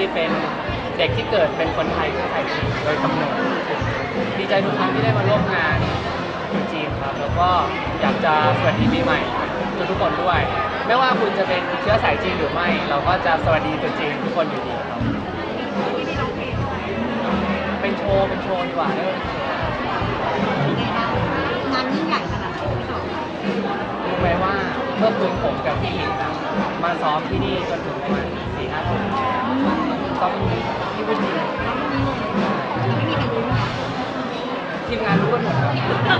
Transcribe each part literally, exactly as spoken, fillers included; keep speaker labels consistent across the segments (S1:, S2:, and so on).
S1: เป็นเด็กที่เกิดเป็นคนไทยเชื้อสายจีนโดยกำเนิดดีใจทุกครั้งที่ได้มาร่วมงานที่จีนครับแล้วก็อยากจะสวัสดีปีใหม่ทุกทุกคนด้วยไม่ว่าคุณจะเป็นเชื้อสายจีนหรือไม่เราก็จะสวัสดีตัวจีนทุกคนอยู่ดีครับเป็นโชว์เป็นโชว์ดีกว่าเนอะ
S2: งานยิ่งใหญ่ขนาดไหนพี่ต่อ
S1: รู้ไหมว่าเมื่อคืนผมกับพี่หลิงมาซ้อมที่นี่จนถึงประมาณสี่ห้าทุ่มซ้อมที่วุ้นที่
S2: ไม่มีใครรู้ค่ะ
S1: ทีมงานรู้กันหมดครับ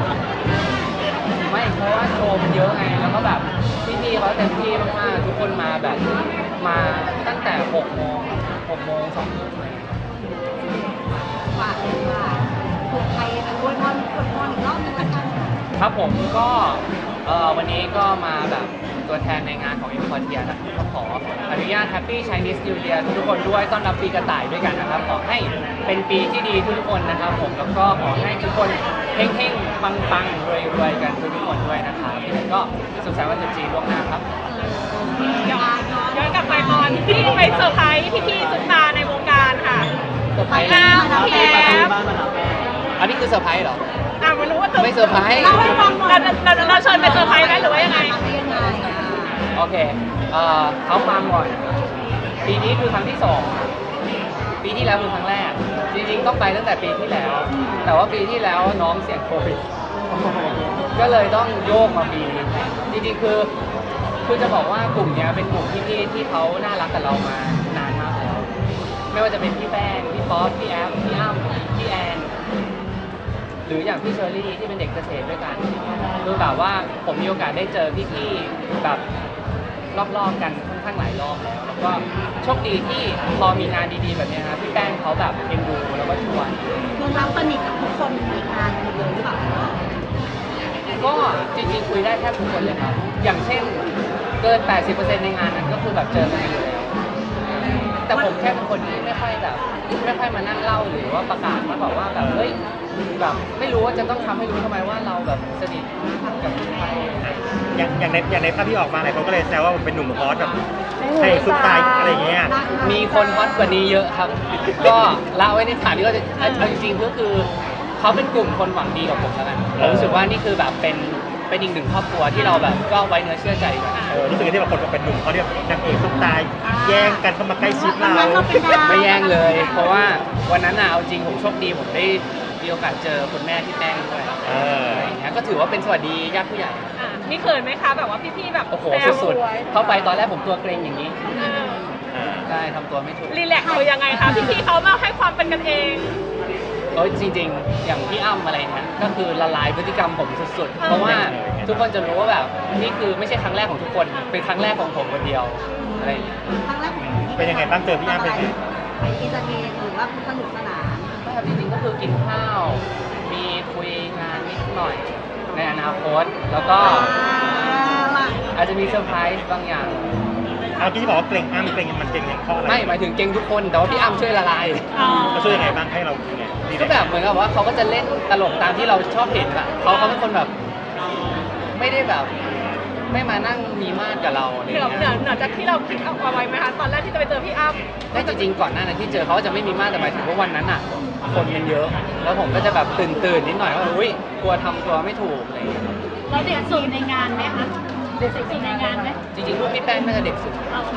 S1: ไม่เพราะว่าโชว์มันเยอะไงแล้วก็แบบพี่ๆเขาเต็มที่มากๆทุกคนมาแบบมาตั้งแต่หกโมงหกโมงสองทุ่มเลย
S2: ฝากเลยว่าถูกใครเป็นอวยพรอวยพรอีกรอบนึงละกัน
S1: ครับผมก็วันนี้ก็มาแบบตัวแทนในงานของ อิม พอร์เทีย นะครับก็ขออนุญาต Happy Chinese New Year ทุกคนด้วยต้อนรับปีกระต่ายด้วยกันนะครับขอให้เป็นปีที่ดีทุกคนนะครับผมแล้วก็ขอให้ทุกคนเฮงๆปังๆรวยๆกันทุกคนด้วยนะครับก็สุขสันต์วันตรุษจีนล่วงหน้าครับ
S3: ย้อนย้อนกลับไปตอนที่ไปเซอร์ไพรส์พี่ๆซุปตาในวงการค่ะ
S1: เซอร์ไพรส์
S3: แล้วพี่แอฟ
S1: อันนี้คือเซอร์ไพรส์เหรอ
S3: อ่ะไม่รู้ว่า
S1: ไม่เซอร์ไพรส์
S3: เราให้ฟังเราเราเราเชิญไปเซอร์ไพรส์ไหมหรือว่ายังไง
S1: โอเคเอ่อเขาฟังก่อนปีนี้คือครั้งที่สองปีที่แล้วคือครั้งแรกจริงๆต้องไปตั้งแต่ปีที่แล้วแต่ว่าปีที่แล้วน้องเสี่ยงโควิดก็เลยต้องโยกมาปีนี้จริงๆคือคือจะบอกว่ากลุ่มนี้เป็นกลุ่มพี่ๆที่เขาน่ารักกับเรามานานมากแล้วไม่ว่าจะเป็นพี่แป้งพี่ป๊อปพี่แอฟพี่อ้ำพี่แอนหรืออย่างพี่เชอรี่ที่เป็นเด็กเกษตรด้วยกันคือแบบว่าผมมีโอกาสได้เจอพี่ๆแบบรอบๆกันค่อนข้างหลายรอบแล้วแล้วก็โชคดีที่พอมีงานดีๆแบบนี้นะพี่แป้งเขาแบบเอ็นดูแล้วก็ชวน
S2: เพื่อนเราสนิทกับทุกคนในงานเลยหรือเปล่า
S1: ก็จริงๆคุยได้แทบทุกคนเลยครับอย่างเช่นเกิน แปดสิบเปอร์เซ็นต์ ในงานนั้นก็คือแบบเจอกันอยู่แล้วแต่ผมแค่เป็นคนที่ไม่ค่อยแบบไม่ค่อยมานั่งเล่าหรือว่าประกาศมาบอกว่าแบบเฮ้ยแบบไม่รู้ว่าจะต้องทำให้รู้ทำไมว่าเราแบบสนิทกับใคร
S4: อย่างอย่างในอย่างในภาพที่ออกมาหลายคนก็เลยแซวว่าผมเป็นหนุ่มฮอตแบบใช่ซุปตาอะไรอย่างเงี้ย
S1: มีคนฮอตกว่านี้เยอะครับ ก็เล่าไว้ในฐานที่ก็จะเอาจริงๆก็คือเขาเป็นกลุ่มคนหวังดีกับผมแล้วกันผมรู้สึกว่านี่คือแบบเป็นเป็นอีกหนึ่งครอบครัวที่เราแบบก็ไว้เนื้อเชื่อใจกัน
S4: เออรู้สึกที่แบบคนเป็นหนุ่มเขาเรียกนางเอกซุปตาแย่งกันเข้ามาใกล้ชิดเรา
S1: ไม่แย่งเลยเพราะว่าวันนั้นน่ะเอาจริงผมโชคดีผมได้มีโอกาสเจอคุณแม่ที่แป้งด้วยอะไรอย่างเงี้ยก็ถือว่าเป็นสวัสดีญาติผู้ใหญ่
S3: มีเขินไหมคะแบบว่าพี่ๆแบบ
S1: โอ้โหสุดๆเข้าไปตอนแรกผมตัวเกรงอย่างนี้ได้ทำตัวไม่ถูก
S3: รีแลกซ์เขายังไงคะพี่ๆเขามาให้ความเป็นกันเอง
S1: โอ้ยจริงๆอย่างพี่อ้ำอะไรเนี่ยก็คือละลายพฤติกรรมผมสุดๆเพราะว่าทุกคนจะรู้ว่าแบบนี่คือไม่ใช่ครั้งแรกของทุกคนเป็นครั้งแรกของผมคนเดียวอะไรอย่างเงี้ย
S2: ครั้งแรกของ
S4: เป็นยังไงบ้างเจอพี่อ้ำเป็นไง
S2: ไปอินเตอร์เทนหรือว่าสนุกสนาน
S1: ก็จริงๆก็คือกินข้าวมีคุยงานนิดหน่อยในอนาคตแล้วก็อาจจะมีเซอร์ไพรส์บางอย่าง
S4: เอาที่บอกว่าเกรงอ้ำเกรงมันเกรงเพราะอะไร
S1: ไม่หมายถึงเกรงทุกคนแต่ว่าพี่อ้ำช่วยละลาย
S4: เขาช่วยยังไงบ้างให้เราไง
S1: ก็แบบเหมือนกับว่าเขาก็จะเล่นตลกตามที่เราชอบเห็นอะเขาเขาเป็นคนแบบไม่ได้แบบไม่มานั่งมีมาดกับเราอะไรเงี้ย
S3: เหนือเหนือจากที่เราคิดเอาไว้ไหมคะตอนแรกที่จะไปเจอพี่อ้ำ
S1: แต่จริงๆก่อนหน้านั้นที่เจอเขาจะไม่มีมาดแต่หมายถึงว่าวันนั้นอะคนมันเยอะแล้วผมก็จะแบบตื่นตื่นนิดหน่อยว่าอุ้ยกลัวทำตัวไม่ถูกอะไรเงี้ย
S2: เราเด็กสุดในงานไหมคะเด็กสุดในงานไหม
S1: จริงๆรูปพี่แป้งน่าจะเด็กสุด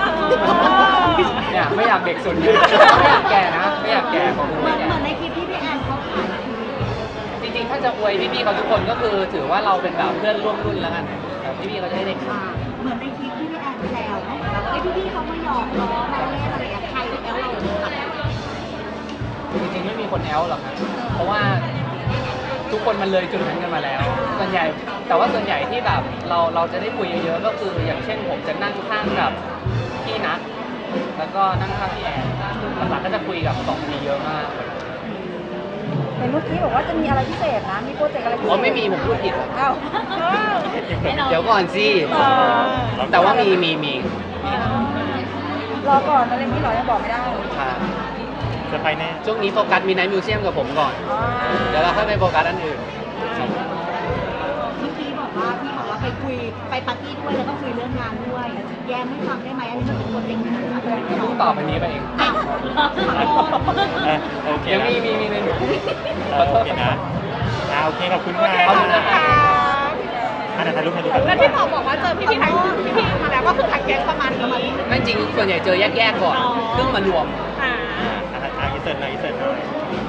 S1: เนี่ยไม่อยากเด็กสุดไม่อยากแก่นะไม่อยากแก่ของ
S2: เหมือนเหมือนในคลิปที่พี่แอนเขาถ่าย
S1: จริงๆถ้าจะอวยพี่ๆเขาทุกคนก็คือถือว่าเราเป็นแบบเพื่อนร่วมรุ่นแล้วกันพี่ๆเขาจะได้เด็ก
S2: เหมือนในคลิปที่พี่แอนแซวแล้วไอ้พี่ๆเขามาหยอกล้อมาเล่นอะไรอย่างใครแอลเรา
S1: จริงๆไม่มีคนแอลหรอกครับเพราะว่าทุกคนมันเลยจุดนั้นกันมาแล้วส่วนใหญ่แต่ว่าส่วนใหญ่ที่แบบเราเราจะได้คุยเยอะๆก็คืออย่างเช่นผมจะนั่งข้างกับพี่นัทแล้วก็นั่งข้างพี่แอนหลักๆก็จะคุยกับสองคนนี้เยอะมาก
S2: เห็นเมื่อกี้บอกว่าจะมีอะไรพิเศษนะมีโปรเจกต์อะไรพิเศษ
S1: อ๋อไม่มีผมพูดผิด
S2: อ้าว
S1: เดี๋ยวก่อนสิแต่ว่ามีมีมี
S2: รอก่อนอะไรนี้หรอยังบอกไม่ได้
S1: ค่ะ
S4: จะไปแน่
S1: ช่วงนี้โฟกัสมีไนท์มิวเซียมกับผมก่อนเดี๋ยวเราค่อยไปโฟกัสอันอื่น
S2: เมื่อกี้บอกว่าพี่บอกว่าไปคุยไปปาร์ตี้ด้วยแล้วก็คุยเรื่องงานด้วยแย้มให้ฟังได้ไหมอันนี้มันเป็นโปรเจกต์งานอะไร
S1: เพิ่งตอบอันนี้ไปเอง
S2: อ้าวขอโทษ
S4: อ่ะโอเค
S1: ยัง
S4: นะ
S1: มีมีมีในหนู
S4: เออโอเคนะอ่าโอเคขอบคุณ
S3: โอ
S4: มาก
S3: เคขอบคุณนะคะ
S4: อันนั้นถ่ายรูปถ่ายรูป
S3: แล้วที่บอกบอกว่าเจอพี่พี่ๆทั้งพี่พี่ๆมาแล้วก็คือทางแก๊งประมาณนี้
S1: ไม่จริงส่วนใหญ่เจอแยกๆก่อนเพิ่งมารวม
S3: อ่า
S4: อ่าอ่าอินเสิร์ตหน่อยอินเสิร์ตหน่อย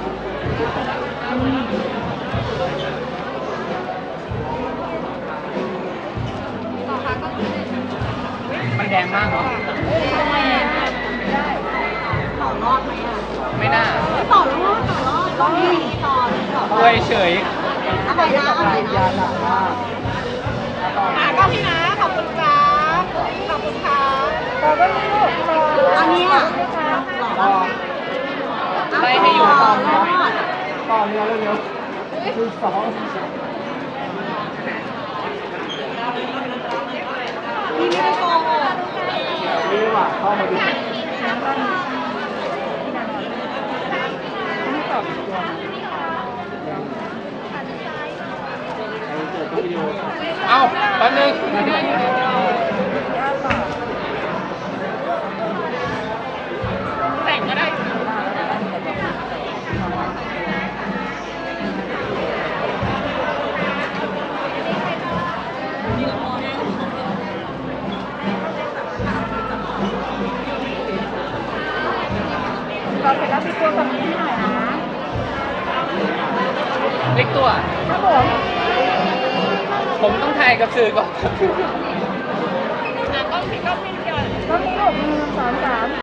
S2: ต่อค่ะก็คือ
S1: มันแดงมากเนาะ
S2: ต่อรอดไหมอ่ะ
S1: ไม่น่า
S2: ต่อรอดต่อรอดก็มีต่อต่อ
S1: อวยเฉย
S2: อะไรนะอะไรนะ
S3: อ่าก็พี่นะขอบคุณจ้าขอบคุณค่ะ
S2: อันนี้อ่ะ
S1: ไล่ให้อยู่
S2: ต่อรอด
S5: ต่อเรือเร็วๆคือสอง
S2: พี่ไม่ได้โกงอ่ะ
S5: นี่ว่ะเข้ามาดูเกิดวิดีโอ
S1: เอ้าแป๊บนึง
S3: แต่งก็ได้
S2: เราเสร็จแล้วพี่ตัวกับพี่หน่อยนะ
S1: เล็กตัว
S2: ครับผม
S1: ผมต้องถ่ายกับสื่อก่อน
S3: อ่ะก็พี่ก็พี่เดียว
S2: ต้องมีหกหนึ่งสองสาม